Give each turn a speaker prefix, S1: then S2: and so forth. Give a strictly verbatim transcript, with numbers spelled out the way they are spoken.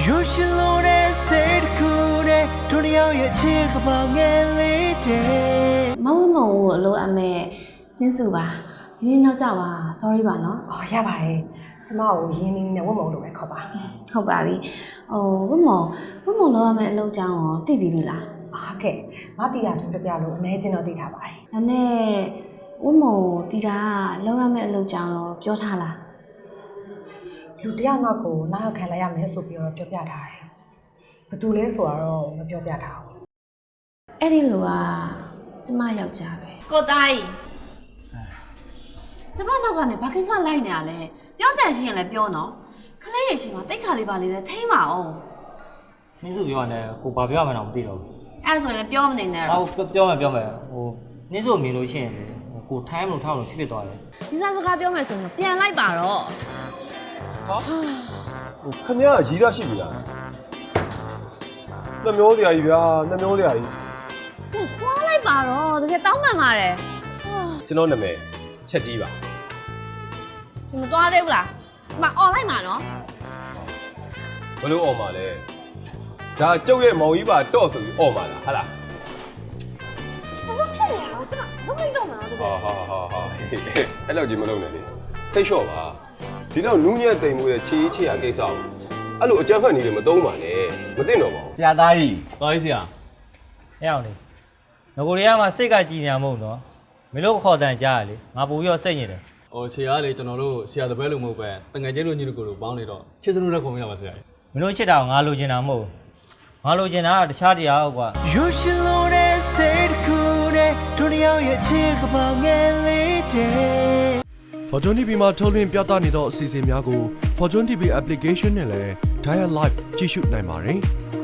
S1: You should know that said cool day တို့တယောက်ရဲ့ချစ်ကပောင်ငယ်လေးတဲ့
S2: မဝမုံကိုအလိုအမဲနင်းစုပါရင်းနောက်ကြပါ sorry ပါနော်
S3: အော်ရပါတယ်ကျမကိုရင်းနှီးနဲ့ဝတ်မုံလို့ပဲခေါ်ပါ
S2: ဟုတ်ပါပြီဟိုဝမုံဝမုံလောက်ရမယ့်အလုပ်ကြောင်းရောသိပြီပြီလား
S3: အာကဲမတီးရတွင်ပြပြလို့အနေချင်းတော့သိထားပါတယ်
S2: ဒါနဲ့ဝမုံတီတာလောက်ရမယ့်အလုပ်ကြောင်းရောပြောထားလား
S3: လူတယောက်နောက်ကိုနောက်ရောက်ခံလိုက်ရမယ်ဆိုပြီးတော့ပြောပြထားတယ်ဘယ်သူလဲဆိုတော့မပြောပြထားဘူး
S2: အဲ့ဒီလူကကျမယောက်ျားပဲကိုတိုင်းကျမနောက်ကနေဘာကိစ္စလိုက်နေရလဲပြောစရာရှိရင်လည်းပြောနော်ခလေးရဲ့ရှင်မှာတိတ်ခါလေးပါလေးနဲ့ထိမ့်ပါအောင်
S4: နင်းစုပြောရတယ်ကိုဘာပြောရမှန်းတော့မသိတော့ဘူး
S2: အဲ့ဒါဆိုရင်လည်းပြောမနေနဲ့
S4: ။ဟောပြောမယ်ပြောမယ်ဟိုနင်းစုမြင်လို့ရှိရင်လေကိုထိုင်းမလို့ထောက်လို့ဖြစ်ဖြစ်သွားတယ်
S2: ဒီစားစကားပြောမယ်ဆိုရင်ပြန်လိုက်ပါတော့
S5: ဟိုခင်ဗျားရီးရရှိပြီလားနှမျိုးစရာကြီးဗျာနှမျိုးစရာကြီး
S2: ကျန်သွားလိုက်ပါတော့တကယ်တောင်းပန်ပါတယ်
S5: ကျွန်တော်နာမည်ချက်ကြီးပါ
S2: ကျမသွားသေးဘူးလားကျမអော်လိုက်မှာနော်
S5: ဘလို့អော်မှာလဲဒါကျုပ်ရဲ့မောင်ကြီးပါတော့ဆိုပြီးអော်မှာလားဟာလား
S2: ကျမဖြစ်နေရတော့ကျမလုံးလိုက်တော့မှာတကယ်
S5: ဟာဟာဟာဟာအဲ့လောက်ကြီးမလုပ်နဲ့လေစိတ်လျှော့ပါဒီတော့နူးညံ့တိမ်မှုရဲ့ချီးချီရကိစ္စကိုအဲ့လိုအကြမ်းဖက်နေတယ်မသုံးပါနဲ့မသိတော့ပါဘူး
S6: ဆရာသားကြီး
S4: ။တော်ကြီးဆရာ။အဲ့အောင်လေ။ငကိုရီးယားမှာစိတ်ကကြည်ညာမဟုတ်နော်။မင်းတို့ခေါ်တန်ကြားရလေ။ငါပူပြီးတော့စိတ်ညစ်တယ်
S7: ။ဟိုဆရာကလေကျွန်တော်တို့ဆရာတပည့်လို့မဟုတ်ပဲတငယ်ချင်းတို့ညီတို့ကိုတို့ပေါင်းနေတော့ချစ်စလို့နဲ့ခုံမိတာပါဆရာ။
S4: ။မင်းတို့ချစ်တာကိုငါလိုချင်တာမဟုတ်ဘူး။ငါလိုချင်တာကတခြားတရားဟုတ်ကွာ
S1: You should know that said cool day တို့တယောက်ရဲ့ချစ်ကပောင်ငယ်လေးတဲ့
S8: Fortune တီဗီမှာထုတ်လွှင့်ပြသနေသောအစီအစဉ်များကို Fortune တီဗီ application နဲ့လည်း Dial Live ကြည့်ရှုနိုင်ပါတယ်။